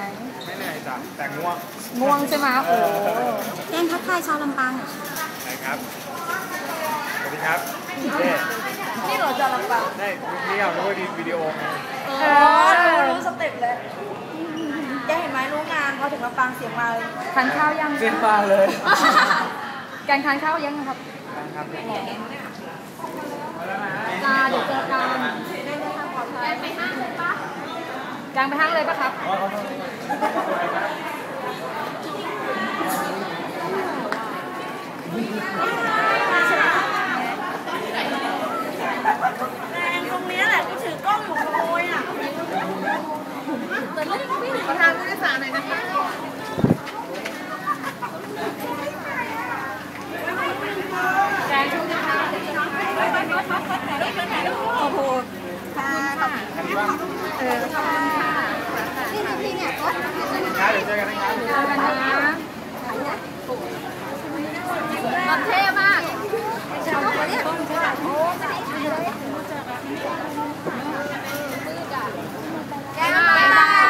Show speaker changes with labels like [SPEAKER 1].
[SPEAKER 1] ไม่เหนื่อยจ้ะแต่ง่วง
[SPEAKER 2] ง่วงใช่ไหมโอ้
[SPEAKER 3] แจ้งทักทายชาวลำปางหน่อย
[SPEAKER 1] ไหนครับสวัสดีครับ
[SPEAKER 2] นี่เราจะลำปาง
[SPEAKER 1] ได้นี่เอาด้วยวิดีโอไง
[SPEAKER 2] รู้สเต็ปเลยแกเห็นไหมรู้งานพอถึงลำปางเสียงมาทานข้าวยัง
[SPEAKER 1] เสียงมาเลย
[SPEAKER 2] แกงทานข้าวยังครับ
[SPEAKER 1] ครับ
[SPEAKER 2] จ้าเดี๋ยวเจอกันแกงไปห้างเลยปะแกงไปห้างเลยปะครับตรงนี้แหละกูถือกล้องอยู่ขโมยอ่ะประธานผู้โดยสารหน่อยนะคะแกงชุดนะคะโอ้โหค่ะ
[SPEAKER 1] นี่เนี่ยเดี๋ยวเจอกันนะครับ